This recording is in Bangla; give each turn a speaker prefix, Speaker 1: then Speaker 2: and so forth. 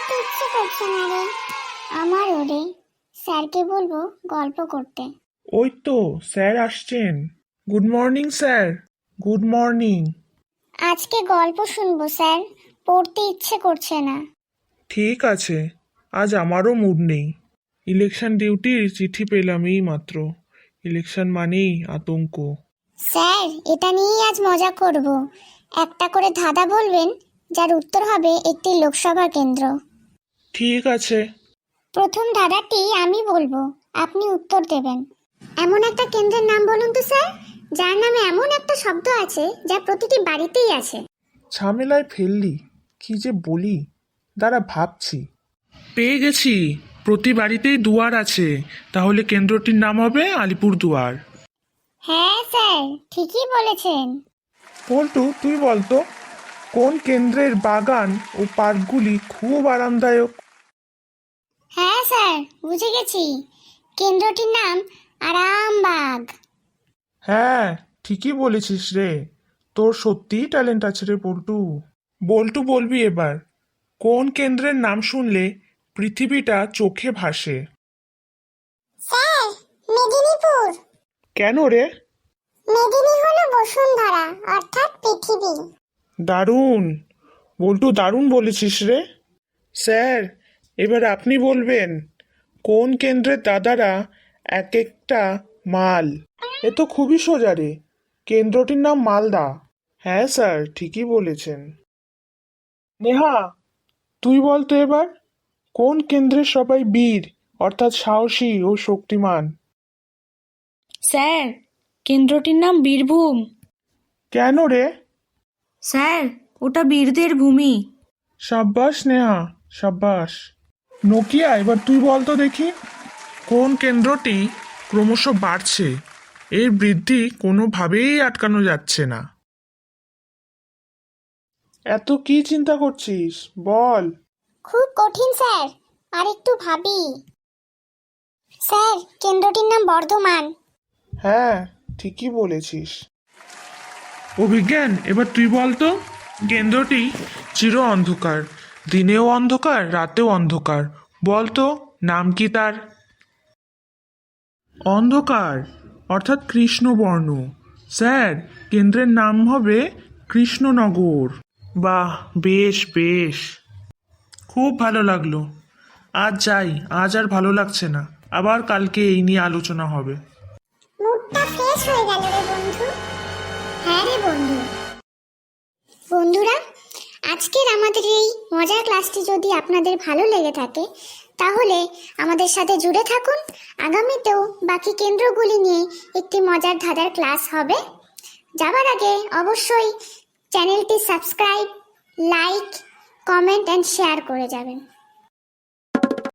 Speaker 1: পড়তে ইচ্ছে করছে না রে। আমারও রে। স্যারকে বলবো গল্প করতে।
Speaker 2: ওই তো স্যার আসছেন। Good morning sir. Good morning.
Speaker 1: আজকে গল্প শুনবো স্যার, পড়তে ইচ্ছে করছে না।
Speaker 2: ঠিক আছে, আজ আমারও মুড নেই। ইলেকশন ডিউটির চিঠি পেলাম এই মাত্র। ইলেকশন মানেই আতঙ্ক।
Speaker 1: স্যার, এটা নিয়েই আজ মজা করব। একটা করে ধাঁধা বলবেন, যার উত্তর হবে একটি লোকসভা কেন্দ্র।
Speaker 2: ঠিক আছে।
Speaker 1: প্রথম ধাঁধাটি আমি বলবো, আপনি উত্তর দেবেন। এমন একটা কেন্দ্রের নাম বলুন তো স্যার, যার নামে এমন একটা শব্দ আছে যা প্রতিটি বাড়িতেই আছে।
Speaker 2: ঝামেলায় ফেললি, কি যে বলি, দাঁড়া ভাবছি। পেয়ে গেছি, প্রতি বাড়িতেই দুয়ার আছে, তাহলে কেন্দ্রটির নাম হবে আলিপুর দুয়ার।
Speaker 1: হ্যাঁ স্যার, ঠিকই বলেছেন।
Speaker 2: পল্টু, তুই বলতো কোন কেন্দ্রের বাগান ও পার্কগুলি খুব আরামদায়ক?
Speaker 1: হ্যাঁ স্যার, বুঝে গেছি। কেন্দ্রটির নাম আরামবাগ।
Speaker 2: হ্যাঁ, ঠিকই বলেছিস রে। তোর সত্যিই ট্যালেন্ট আছে রে পল্টু। বল্টু, বলবি এবার কোন কেন্দ্রের নাম শুনলে পৃথিবীটা চোখে ভাসে?
Speaker 1: স্যার, মেদিনীপুর।
Speaker 2: কেন রে?
Speaker 1: মেদিনী হলো বসুন্ধরা, অর্থাৎ পৃথিবী।
Speaker 2: দারুণ বল্টু, দারুণ বলেছিস রে। স্যার, এবার আপনি বলবেন কোন কেন্দ্রের দাদারা এক একটা মাল? এ তো খুবই সোজা রে, কেন্দ্রটির নাম মালদা। হ্যাঁ স্যার, ঠিকই বলেছেন। নেহা, তুই বলতো এবার কোন কেন্দ্রের সবাই বীর, অর্থাৎ সাহসী ও শক্তিমান?
Speaker 3: স্যার, কেন্দ্রটির নাম বীরভূম।
Speaker 2: কেন রে?
Speaker 3: স্যার, ওটা বীরদের ভূমি।
Speaker 2: সাব্বাস নেহা, সাব্বাস। নোকিয়া, এবার তুই বলতো দেখি কোন কেন্দ্রটি ক্রমশ বাড়ছে, এর বৃদ্ধি কোনোভাবেই আটকানো যাচ্ছে না। এত কি চিন্তা করছিস, বল।
Speaker 1: খুব কঠিন স্যার, আর একটু ভাবি। স্যার, কেন্দ্রটির নাম বর্ধমান।
Speaker 2: হ্যাঁ, ঠিকই বলেছিস। অভিজ্ঞান, এবার তুই বলতো কেন্দ্রটি চির অন্ধকার, দিনেও অন্ধকার রাতেও অন্ধকার, বলতো নাম কি তার? অন্ধকার অর্থাৎ কৃষ্ণবর্ণ। স্যার, কেন্দ্রের নাম হবে কৃষ্ণনগর। বাহ, বেশ বেশ, খুব ভালো লাগলো। আজ যাই, আজ আর ভালো লাগছে না, আবার কালকে এই নিয়ে আলোচনা হবে।
Speaker 1: মুডটা ফ্রেশ হয়ে গেল রে বন্ধু। হ্যাঁ রে বন্ধু। বন্ধুরা, আজকের আমাদের এই মজার ক্লাসটি যদি আপনাদের ভালো লেগে থাকে, তাহলে আমাদের সাথে জুড়ে থাকুন। আগামীতেও বাকি কেন্দ্রগুলি নিয়ে একটি মজার ধাঁধার ক্লাস হবে। যাবার আগে অবশ্যই চ্যানেলটি subscribe, like, comment and share করে যাবেন।